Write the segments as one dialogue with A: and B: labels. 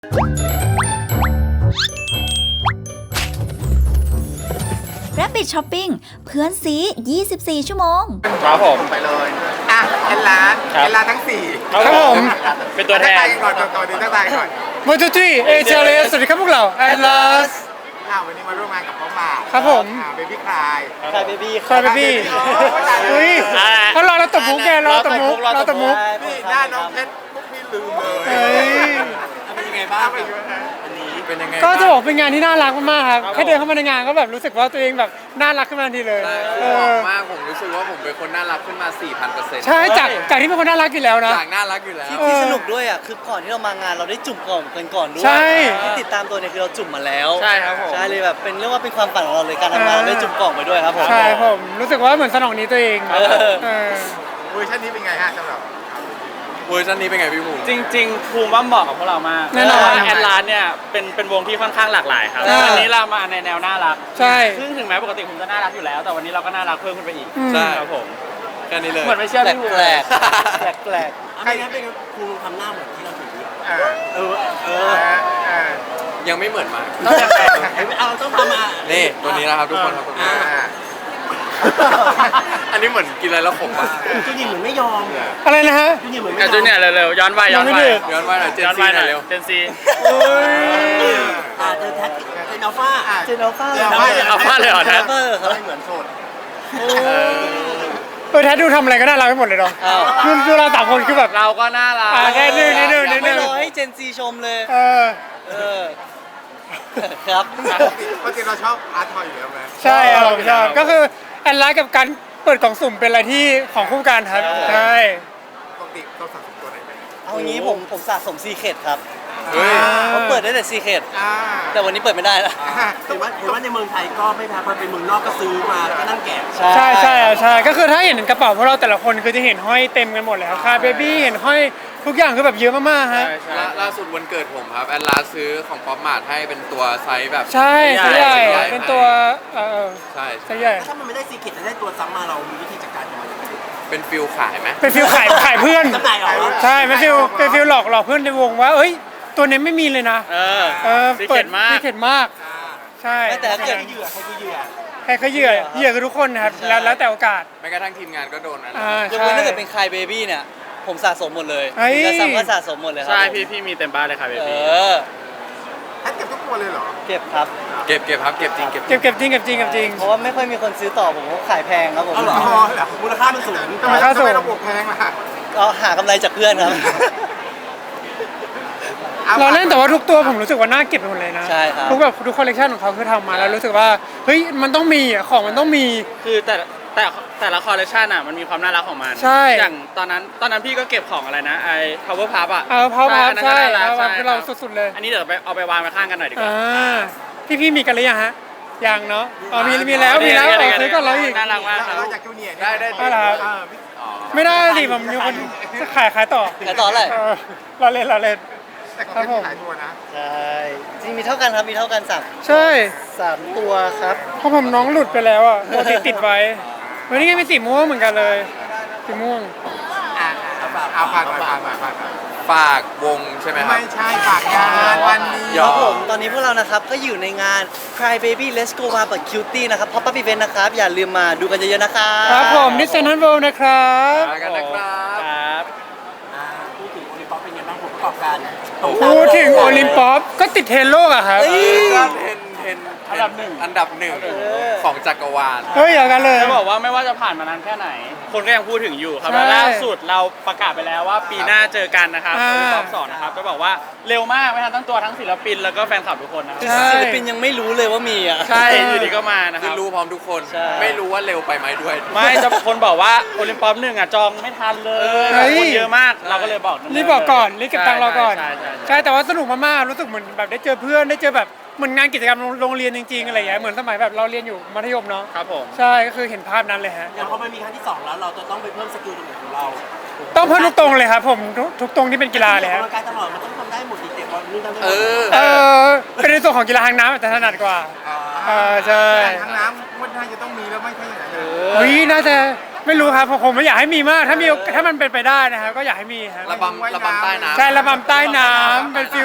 A: Rabbit Shopping เพื่อนซี24 ชั่วโมง
B: ครับผม
C: ไปเลยอ่ะเอ็นลาทั้ง4
B: ครับผมเป็นตัวแทน
C: ก่อนดีตั้งใจก่อน
D: วันที่ที่เอเจเลสสวัสดีครับพวกเราแอดลาส
C: วันนี้มาร่วมงานกับพ่อมา
D: ครับผม
C: เบบี้คลาย
D: เบบี้เฮ้ยเขารอเราตบมุกแกรอตบมุก
C: นี่หน้าน้องเพชรพวกพี่ลืมเลยเป็นยังไงบ้างวันนี้เป็นยังไง
D: ก็จะบอกเป็นงานที่น่ารักมากๆครับแค่เดินเข้ามาในงานก็แบบรู้สึกว่าตัวเองแบบน่ารักขึ้นมาทันทีเลย
E: มากผมรู้สึกว่าผมเป็นคนน่ารักขึ้นมา 4,000%
D: ใช่จากที่เป็นคนน่ารักอยู่แล้วนะ
E: จากน่ารักอยู่แล้ว
F: ที่สนุกด้วยอ่ะคือก่อนที่เรามางานเราได้จุ่มก่อนด้วยที่ติดตามตัวเนี่ยคือเราจุ่มมาแล้ว
E: ใช่ครับผม
F: ใช่เลยแบบเป็นเรียกว่าเป็นความฝันของเราเลยการทำงานเราได้จุ่มกล่องไปด้วยครับผม
D: ใช่ผมรู้สึกว่าเหมือนสนองนี้ตัวเอง
C: เวอร์ชันนี้เป็นไงฮะสำหรับ
E: เวอร์ชันนี้เป็นไงพี่ภูมิ
B: จริงๆภูมิว่าเหมาะกับพวกเรามาก
D: แน่นอน
B: แอนลานเนี่ยเป็นวงที่ค่อนข้างหลากหลายครับวันนี้เรามาในแนวน่ารัก
D: ใช่
B: ซึ่งถึงแม้ปกติผมจะน่ารักอยู่แล้วแต่วันนี้เราก็น่ารักเพิ่มขึ้นไปอีก
E: ใช่
B: ครับผม
E: แค่นี้เลย
B: เหมือนไม่เชื่อพี่ภูมิ
F: แปลก
C: ใครนั้นเป็นครูทำหน้าเหมือนที่เราถือ
E: ยังไม่เหมือนมาก
C: ต้องทำมา
E: นี่ตัวนี้นะครับทุกคนครับอันนี้เหมือนกินอะไรแล้วขมมาก
C: จูเนียร์เหมือนไม่ยอม
D: อะไรนะฮะ
B: จูเนียร์เร็วๆย้อนไปหน่อย
E: เจนซีหน่อยเร็ว
B: เจนซี
C: เจนอัลฟา
B: เลยเหรอแท้
C: เหมือนโสด
D: แท้ดูทำอะไรก็น่ารักไปหมดเลยเนาะดูเรา3 คนคือแบบ
B: เราก็น่ารัก
D: แค่นิดนึง
F: ไม่รอให้เจนซีชมเลยครับ
C: ปกติเราชอบอาร์ตทอยอยู่แล้วไหม
D: ใช่ผมชอบก็คือแอนไลน์กับการเปิดกล่องสุ่มเป็นอะไรที่ของคู่กันครับใช่
C: ปกติเราสะสมตัวไหนเป็น
F: เอางี้ผมสะสมซีเคร็ตครับ
E: เฮ้ย
F: ผมเปิดได้แต่ซีเคร็ตแต่วันนี้เปิดไม่ได้แล้ว
C: เห็นว่าในเมืองไทยก็ไม่แพ้พอเป็นเมืองนอกก็ซื้อมาแล้วก็นั่งแกะ
D: ใช่ก็คือถ้าเห็นกระเป๋าพวกเราแต่ละคนคือจะเห็นห้อยเต็มกันหมดเลยครับคาเบบี้เห็นห้อยทุกอย่างคือแบบเยอะมากๆฮะ
E: ล่าสุดวันเกิดผมครับแอนลาซื้อของป๊อปมาร์ทให้เป็นตัวไซส์แบบ
D: ใช่ไซส์ใหญ่เป็นตัว
E: ใช่
D: ไซส์ใหญ่
C: ถ้ามันไม่ได้ซีเกตจะได้ตัวซ้ำมาเรามีวิธีจัดการยังไง
E: เป็นฟิลขายไหม
D: เป็นฟิลขายเพื่อนใช่เป็นฟิลหลอกเพื่อนในวงว่าเอ้ยตัวนี้ไม่มีเลยนะ
B: เปิดม
D: ากใช่
F: แต่เกิด
C: เหยื่อใครคือเหยื่อ
D: คือทุกคนนะครับแล้วแต่โอกาส
E: แม้กระทั่งทีมงานก็โดนนะ
F: ยกเว้นถ้าเกิดเป็นคายเบบี้เนี่ยผมสะสมหมดเลยจะซ้ำก็สะสมหมดเลยครับ
B: ใช่พี่มีเต็มบ้านเลยครับเบบี้
C: เก็บทุกตัวเลยเหรอ
F: เก็บครับ
E: เก็บครับเก็บจริง
F: เพราะว่าไม่ค่อยมีคนซื้อต่อผมก็ขายแพงครับผม
C: มูลค่ามันสูงทำไมระบบแพงล่ะ
F: ก็หากำไรจากเพื่อนครับ
D: เราเล่นแต่ว่าทุกตัวผมรู้สึกว่าน่าเก็บไปหมดเลยนะ
F: ใช่ครับ
D: ทุกคอลเลคชันของเขาคือทำมาแล้วรู้สึกว่าเฮ้ยมันต้องมีของมันต้องมี
B: คือแต่ละคอลเลคชันอ่ะมันมีความน่ารักของมัน
D: ใช่
B: อย่างตอนนั้นพี่ก็เก็บของอะไรนะไอ้ power puff อ่ะ
D: power puff ใช่คือเราสุดๆเลย
B: อันนี้เดี๋ยวเอาไปวางไว้ข้างกันหน่อยดีกว่า
D: พี่มีกันหรือยังฮะยังเนาะมีแล้วซื้อก่อนเราอีก
B: น่ารักมาก
C: เราจากจูเนียร์
E: ได้
D: ไม่ได้สิผมมีคนขายต่อ
F: อะไร
D: เราเล่น
C: แต่ก็ไม่ขายตัวนะ
F: ใช่จริงมีเท่ากันครับมีเท่ากัน3
D: ใช่
F: 3ตัวครับ
D: เพราะผมน้องหลุดไปแล้วอ่ะติดไว้วันนี้ก็มีสีม่วงเหมือนกันเลยสีม่วง
C: เอาผ่าน
E: ฝากวงใช่ไหมครับ
C: ไม่ใช่ฝากงานวันนี้
F: ครับผมตอนนี้พวกเรานะครับก็อยู่ในงาน Cry Baby Let's Go มาเปิด Cutie นะครับ Pop Up Event นะครับอย่าลืมมาดูกันเยอะๆนะครับ
D: ครับผมนิสเซนทันเวิลด์นะครับ
E: มากันนะครับ
C: พูดถึงโอลิมปิกเป็นยังไงบ้างผมประกอบการ
D: พูดถึงโอลิมปิกก็ติดเทรนโลกอะครับ
E: ก็เทรนอันดับหนึ่งของจักรวาล
D: อย่างนั้นเลย
B: จะบอกว่าไม่ว่าจะผ่านมานานแค่ไหนคนก็ยังพูดถึงอยู่ครับล่าสุดเราประกาศไปแล้วว่าปีหน้าเจอกันนะครับโอลิมปิก2นะครับจะบอกว่าเร็วมากไม่ทันตั้งตัวทั้งศิลปินแล้วก็แฟนคลับทุกคนนะครับ
F: ศิลปินยังไม่รู้เลยว่ามีอ่ะ
B: ใช่อยู่ดีก็มานะครับ
E: คือรู้พร้อมทุกคนไม่รู้ว่าเร็วไปไหมด้วย
B: ไม่จะคนบอกว่าโอลิมปิก1อ่ะจองไม่ทันเลยคนเยอะมากเราก็เลยบอก
D: รีบบอกก่อนรีบเก็บตังค์รอก่อนใช่แต่ว่าสนุกมากๆรู้สึกเหมือนแบบได้เจอเพื่อนได้เจอแบบเหมือนงานกิจกรรมโรงเรียนจริงๆอะไรอย่างเงี้ยเหมือนสมัยแบบเราเรียนอยู่มัธยมเนาะ
B: ครับผม
D: ใช่ก็คือเห็นภาพนั้นเลยฮะ
C: อย่างพอมันมีครั้งที่2แล้วเราจะต้องไปเพิ่มสกิลตรงไหนของเรา
D: ต้องเพิ่มทุกตรงเลยครับผมทุกตรงที่เป็นกีฬาเลยครับ
C: การตลอดมันต้องทำได้หมดเด็กๆวันนี้ทำได้
D: เป็นในส่วนของกีฬาทางน้ำแต่ถนัดกว่าใช่
C: ทางน้ำมันน่าจะต้องมีแล้วไม่ใช่อย่าง
D: นั้นน่าจะไม่รู้ครับผมไม่อยากให้มีมากถ้ามันเป็นไปได้นะครับก็อยากให้มีครับ
E: ระบำใต้น้ำ
D: ใช่ระบำใต้น้ำเป็นฟิล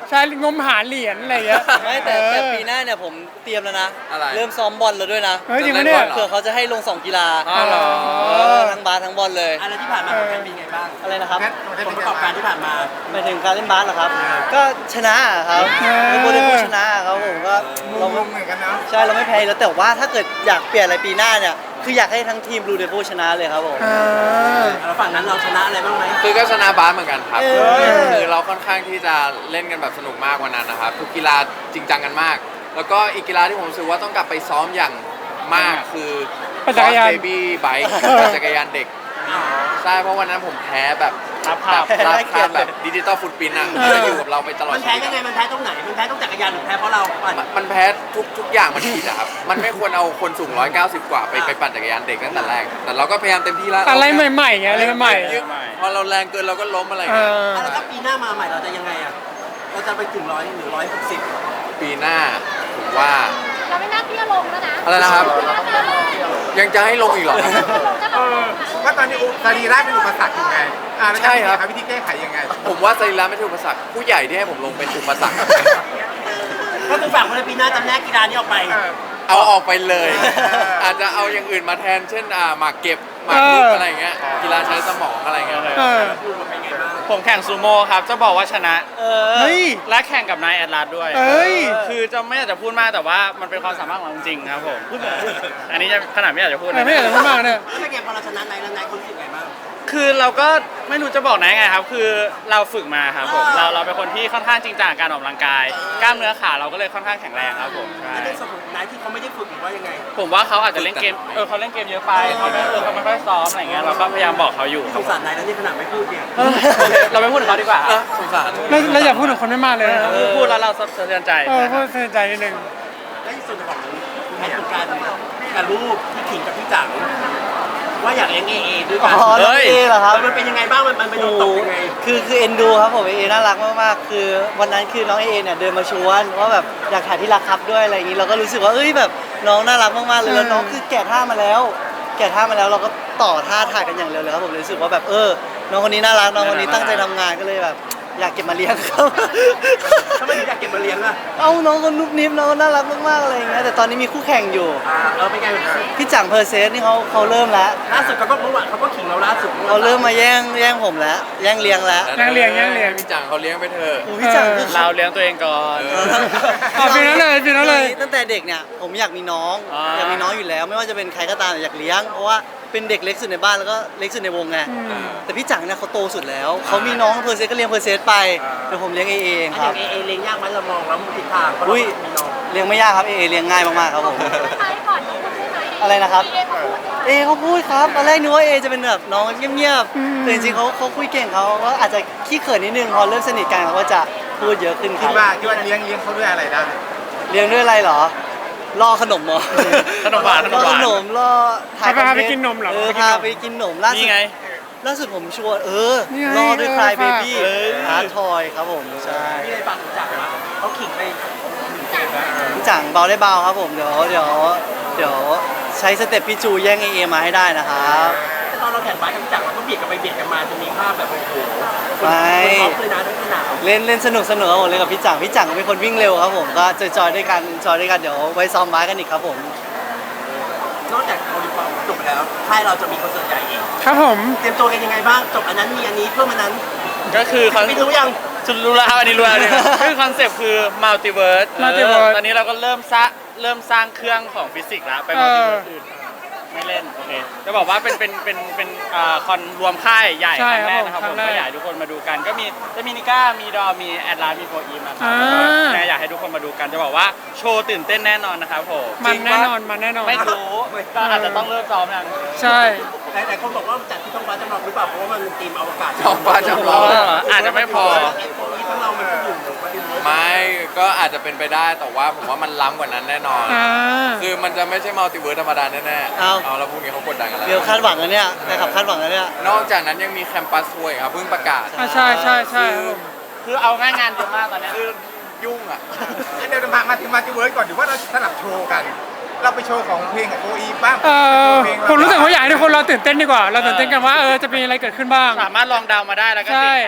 D: ใช่งมหาเหรียญอะไรอย่างเงี้ย
F: ไม่แต่ปีหน้าเนี่ยผมเตรียมแล้วนะ
E: อะไร
F: เริ่มซ้อมบอลแล้วด้วยนะ
D: เฮ้ยจริงปะเนี่ย
F: เผื่อเขาจะให้ลง 2 กีฬา
E: อ๋อเหรอ
F: ทั้งบาสทั้งบอลเลย
C: อะไรที่ผ่านมาของแพทเป็นไงบ้าง
F: อะไรนะครับ
C: ผลประกอบการที่ผ่านมา
F: หมายถึงการเล่นบาสเหรอครับ ก็ชนะครับคือโมเดลผู้ชนะครับผมก็เราไม่
C: เหมือนกันเนาะ
F: ใช่เราไม่แพ้อยู่แล้วแต่ว่าถ้าเกิดอยากเปลี่ยนอะไรปีหน้าเนี่ยคืออยากให้ทั้งทีมบลูเดฟูชนะเลยครับผม
C: แล้วฝั่งนั้นเราชนะอะไรบ้างไหม
E: คือก็ชนะบาสเหมือนกันครับ
F: เออ
E: คือเราค่อนข้างที่จะเล่นกันแบบสนุกมากวันนั้นนะครับทุกกีฬาจริงจังกันมาก แล้วก็อีกกีฬาที่ผมรู้สึกว่าต้องกลับไปซ้อมอย่างมากคือ
D: ปั่นจักรยาน
E: เบบี้ไบค์ปั่นจักรยานเด็กใช่เพราะวันนั้นผมแพ้แบบ
B: ครับ
E: รับภาพแบบดิจิตอลฟุตปรินท์อะมันจะอยู่กับเราไปตลอด
C: มัน
E: ชี
C: แพ้
E: วิต
C: ยังไงมันแพ้ตรงไหนมันแพ้ตรงจักรยานหรือแพ้เพราะเราปั่น
E: มันแพ้ทุกอย่างมันผิดอะครับ มันไม่ควรเอาคนสูง 190 กว่าไปปั่นจักรยานเด็กตั้งแต่แรก แต่เราก็พยายามเต็มที่แล้ว
D: อะไรใหม่ๆไงอะไรใหม่
E: พอเราแรงเกินเราก็ล้มอะไร
D: ๆ
E: อย่างเงี้ย
C: แล้วถ้าปีหน้ามาใหม่เราจะยังไงอ่ะเราจะไปถึง100หรือ160
E: ปีหน้าผมว่า
G: เราไม่น่าที่จะลงแล้วนะ
E: อะไรนะครับ
G: ไม่น่าที่จะลง
E: ยังจะให้ลงอีกเหรอครับ
G: ลงก็ลงอะ
H: ว่าตอนนี้สรีระเป็นอุปสรรคยังไงแล้ว
E: ใช่ครับ
H: หาวิธีแก้ไขยังไง
E: ผมว่าสรีระไม่ใช่อุปสรรคผู้ใหญ่ที่ให้ผมลงเป็นอุปสรรค
C: ก็คือฝั่งคนปีหน้าจำแนกกีฬานี้ออกไป
E: เอาออกไปเลย อาจจะเอาอย่างอื่นมาแทน เช่นหมากเก็บหมากรุกอะไรอย่างเงี้ยกีฬาใช้สมองอะไรอย่างเงี้ย
D: เออ
B: ผมแข่งซูโม่ครับ จะบอกว่าชนะ
D: เฮ้ย
B: และแข่งกับนายแอดลาสด้วย
D: เอ้ย
B: คือจะไม่อยากจะพูดมากแต่ว่ามันเป็นความสามารถของเราจริงๆครับผม อันนี้จะขนาดไม่อยากจะพูด
D: ไม่อยากจะพูดมากเนี่ย
C: แล้วเป็นไงพอเราชนะไหนแล้วไหนคนรู้สึกไงบ้าง
B: คือเราก็ไม่รู้จะบอกไหนไงครับ คือเราฝึกมาครับผม เราเป็นคนที่ค่อนข้างจริงจังกับการออกกำลังกาย กล้ามเนื้อขาเราก็เลยค่อนข้างแข็งแรงครับผมใช่
C: แล้วในส่วนของไหนที่เขาไม่ได้ฝึกหรือว่ายังไง
B: ผมว่าเขาอาจจะเล่นเกม เขาเล่นเกมเยอะไปเขาไม่ค่อยซ้อมอะไรอย่างเงี้ย เราก็พยายามบอกเขาอยู่ค
C: ส
B: รับ
C: งสารไหนแล้วนี่ขนาดไม่พูดเนี่ย
B: เราไม่พูดถึงเขาดีกว่า
E: สงสาร
D: แล้วอย่าพูดถึงคนไม่มากเลยนะ
B: พูดแล้วเราสะเทือนใจ
D: พูดเสียใจนิดนึง
C: และในส่วนของแผนการรูปที่ขิงกับพี่จังว่าอยากเลี้ยงเอด้วยกัน
F: อ๋อน้องเอเหรอครับ
C: มันเป็นยังไงบ้างมันไปโดนตกยังไง
F: คือเอ็นดูครับผมเอน่ารักมากๆคือวันนั้นคือน้องเอเนี่ยเดินมาชวนว่าแบบอยากถ่ายที่รักครับด้วยอะไรอย่างนี้เราก็รู้สึกว่าเอ้ยแบบน้องน่ารักมากๆเลยแล้วน้องคือแกะท่ามาแล้วเราก็ต่อท่าถ่ายกันอย่างเร็วเลยครับผมเลยรู้สึกว่าแบบน้องคนนี้น่ารักน้องคนนี้ตั้งใจทำงานก็เลยแบบอยากเก็บมาเลี้ยงครับ
C: ทำไมถึงอยากเก็บมาเลี้ยงอ่ะ
F: เอาน้องคนนุบนิบน้องน่ารักมากๆอะไรอย่างเงี้ยแต่ตอนนี้มีคู่แข่งอยู่
C: เป็นไง
F: พี่จังเพอร์เซสนี่เขาเริ่มแล้ว
C: ล่าสุดเขาก็เมื่อวานเขาก็ขิงเราล่าสุด
F: เขาเริ่มมาแย่งผมแล้วแย่งเลี้ยงแล้ว
D: ยังเลี้ยง
E: พี่จังเขาเลี้ยงไปเถอะ
F: โอ้พี่จังคือ
B: เราเลี้ยงตัวเองก่อน
D: เอาปีนั้นเลย
F: ตั้งแต่เด็กเนี่ยผมอยากมีน้อง
B: อ่า
F: อยากมีน้องอยู่แล้ว ไม่ว่าจะเป็นใครก็ตามอยากเลี้ยงเพราะว่าเป็นเด็กเล็กสุดในบ้านแล้วก็เล็กสุดในวงไงแต่พี่จังเนี่ยเขาโตสุดแล้วเขามีน้องเพอร์เซสก็เลี้ยงเพอร์เซสไปแต่ผมเลี้ยงเองค
C: อ
F: รั
C: ย่า
F: บ
C: งเอเลี้ยงยากไหมเรามองแล้วทิศทางเพราะเรา
F: อุ้ย
C: มีน้อง
F: เลี้ยงไม่ยากครับเลี้ยงง่ายมากๆครับผม
G: ใช้ก่อนที่คุณได้ไหม
F: อะไรนะครับ
G: เอเขาพูดใช่ไหม
F: เขาพูดครับตอนแรกนึกว่าจะเป็นแบบน้องเงียบๆแต่จริงๆเขาคุยเก่งเขาก็อาจจะขี้เขินนิดนึงพอเริ่มสนิทกันเขาก็จะพูดเยอะขึ้นค
H: คิ
F: รั
H: ด
F: บ
H: ว่าเลี้ยงเขาด้วยอะไรได้
F: เลี้ยงด้วยอะไรเหรอล่อขนมเหรอ
B: ขนมหวาน
F: ล่อขนมล่อถ่าย
D: พาไป
F: คอเท
D: กินนมเหรอ
F: พาไปกินนมล่าสุ
B: นี่
F: ด
B: ไง
F: ล่าสุดผมชวน
D: นี่ไง
F: ล่อด้วยคลายเบบี้
B: เออ
F: อาร์ทอยครับผมใช่
C: พี่ได้ฟังจากมาเขาขิงไป
F: พี่จังเบาได้เบาครับผมเดี๋ยวใช้สเต็ปพี่จูแย่งเอมาให้ได้นะครับ
C: แต่ตอนเราแข่งบาสกับพี่จังเราก็เบียดกันไปเบียดกันมาจะมีภาพแบบโอ้โห
F: ไม่
C: คนท็อปเลยนะด้วยสนาม
F: เล่นสนุกครับผมเล่นกับพี่จังก็เป็นคนวิ่งเร็วครับผมก็จอยด้วยกันเดี๋ยวไว้ซ้อมบาสกันอีกครับผม
C: นอกจากโอลิมปิกจบไปแล้วค่ายเราจะมีคอนเสิร์ตใหญ่อีก
D: ครับผม
C: เตรียมตัวกันยังไงบ้างจบอันนั้นมีอันนี้เพิ่มอันนั้น
B: ก็คือคอน
C: ไม่รู้ยัง
B: จุดรู้แล้วครับอันนี้รู้แล้วเนี่ยคือคอนเซปต์คือมัลติเวิร์ส
D: Multiverse
B: ตอนนี้เราก็เริ่มสร้างเครื่องของฟิสิกส์แล้วไปมัลติเวิร์สอื่นไม่เล่นโอเคจะบอกว่าเป็นคอนรวมค่ายใหญ่
D: ใช่
B: ครั้งแรกนะครับ
D: ครับ
B: ผม
D: ครั้งแรก
B: ก็อยากให้ทุกคนมาดูกันก็มีจะมีนิก้ามีดอมีแอดลาสมีโฟอีมนะครับ
D: อ่า
B: ก็อยากให้ทุกคนมาดูกันจะบอกว่าโชว์ตื่นเต้นแน่นอนนะครับผม
D: มันแน่นอน
B: ไม่รู้ก็อาจจะต้องเริ่มซ้อมยัง
D: ใช่
C: แต่คนบอกว่าจัดที่ท้องฟ้าจำลองหรือเปล่าเพราะว่ามันทีมอวกาศ
E: ท้องฟ้าจำลอง
B: อาจจะไม่พอ
C: ไอ้ตัวนี้ทั้งเรามันก็อยู่ประเด็นเลย
E: ไม่ก็อาจจะเป็นไปได้แต่ว่าผมว่ามันล้ำกว่านั้นแน่นอน
D: อ่า
E: คือมันจะไม่ใช่มัลติเวิร์สธรรมดาแน่ๆ
F: เอา
E: แล้วพวกนี้เขากดดันกันแล้ว
F: เดี๋ยวคาดหวังแล้วเนี่ยนะครับคาดหวังแล้วเนี่ย
E: นอกจากนั้นยังมีแคมปัสทัวร์อีกครับเพิ่งประกาศ
D: ใช่ครับผม
B: คือเอาง่ายงานเยอะมากตอนเนี้ย
E: คือยุ่งอ่ะ
H: เดี๋ยวมาถึงมาที่เวิร์ดก่อนหรือว่าเราสลับโชว์กัน เราไปโชว์ของเพลงกับโออีบ้าง
D: ผมรู้สึกว่าอยากให้ทุกคนเราตื่นเต้นดีกว่า เราตื่นเต้นกันว่าจะมีอะไรเกิดขึ้นบ้าง
B: สามารถลองเดามาได้แล้วก็
D: ใช่
B: ติดแฮชแท็ก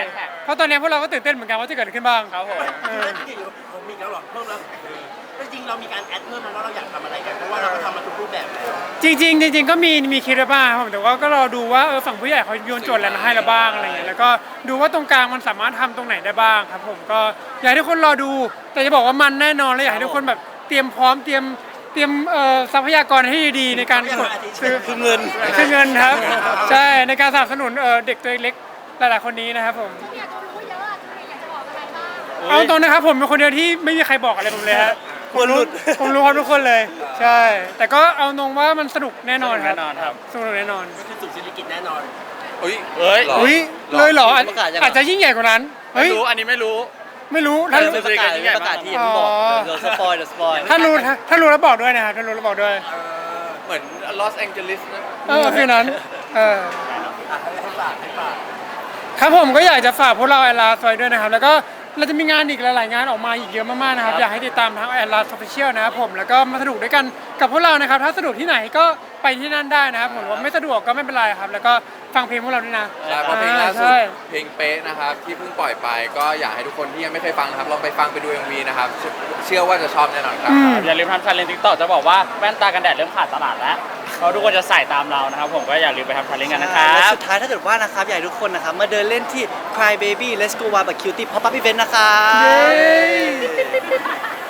D: เพราะตอนนี้พวกเราก็ตื่นเต้นเหมือนกันว่าจะเกิดอะไรขึ้นบ้าง
B: ครับผม
I: ผมมีแล้วหรอเพิ่มแล้วจริงเรามีการแอดเพิ่มมาว่าเราอยากทำอะไรกันเพราะว่าเราก็ทำมาทุกรูปแบบแล้ว
D: จริงก็มีคิดไว้บ้างครับผมแต่ว่าก็รอดูว่าฝั่งผู้ใหญ่เขาโยนโจทย์อะไรมาให้เราบ้างอะไรเงี้ยแล้วก็ดูว่าตรงกลางมันสามารถทำตรงไหนได้บ้างครับผมก็อยากให้ทุกคนรอดู แต่จะบอกว่ามันแน่นอนและอยากให้ทุกคนแบบเตรียมพร้อมเตรียมทรัพยากรให้ดีในการกดซื้อ
F: คือเงิน
D: คือเงินครับใช่ในการสนับสนุนเด็กตัวเล็กหลายๆคนนี้นะครับผม
G: อยากจะรู้เยอะอะอยากจะบอกอะไรบ้าง
D: เอาตรงนะครับผมเป็นคนเดียวที่ไม่มีใครบอกอะไรผมเลยฮะ
F: ควรหลุด
D: ผมรู้ครับทุกคนเลย ใช่ แต่ก็เอาตรงว่ามันสนุกแน่นอนครับ
B: แน่นอนครับ
D: สนุกแน่นอน
I: คือสุดศิริกิจแน่นอน
E: เฮ้ย
B: เอ้ย
E: หรอ
D: อุ้ยเลยเหรอ
F: ประกาศยัง
D: อาจจะยิ่งใหญ่กว่านั้น
B: ไม่
D: เฮ้ย
B: รู้อันนี้ไม่รู้
D: ไม่รู้ถ้ารู้
F: เป็นประกาศเป็นประกาศที่ผมบอกเดี๋ยวสปอย
D: ถ้ารู้แล้วบอกด้วยนะครับถ้ารู้แล้วบอกด้วย
E: เหมือนลอสแองเจลิสนะ
D: ฟีลนั้นครับผมก็อยากจะฝากพวกเราแอลลาซอยด้วยนะครับ แล้วก็เราจะมีงานอีกหลายๆงานออกมาอีกเยอะมากๆนะครับ อยากให้ติดตามทั้งแอลลาออฟฟิเชียลนะครับผมแล้วก็มาสนุกด้วยกันกับพวกเรานะครับ ถ้าสะดวกที่ไหนก็ไปที่นั่นได้นะครับผมว่าไม่สะดวกก็ไม่เป็นไรครับ แล้วก็ฟังเพลงพวกเราด้วยนะ
E: ใช่เพราะเพลงล่าสุด
D: ใช่
E: เพลงเป๊ะนะครับที่เพิ่งปล่อยไปก็อยากให้ทุกคนที่ยังไม่เคยฟังนะครับลองไปฟังไปดู MV นะครับเชื่อว่าจะชอบแน่นอนครับ
B: อย่าลืมทำชาเลนจ์ติ๊กต็อกจะบอกว่าแว่นตากันแดดเริ่มขาดตลาดแล้วเพราะทุกคนจะใส่ตามเรานะครับผมก็อย่าลืมไปทำชาเลนจ์กันนะครั
F: และ
B: บ
F: สุดท้ายถ้าเกิดว่านะครับอยากให้ทุกคนนะครับมาเดินเล่นที่ Cry Baby Let's Go Wild แบบ Cutie Pop Up Event นะครับ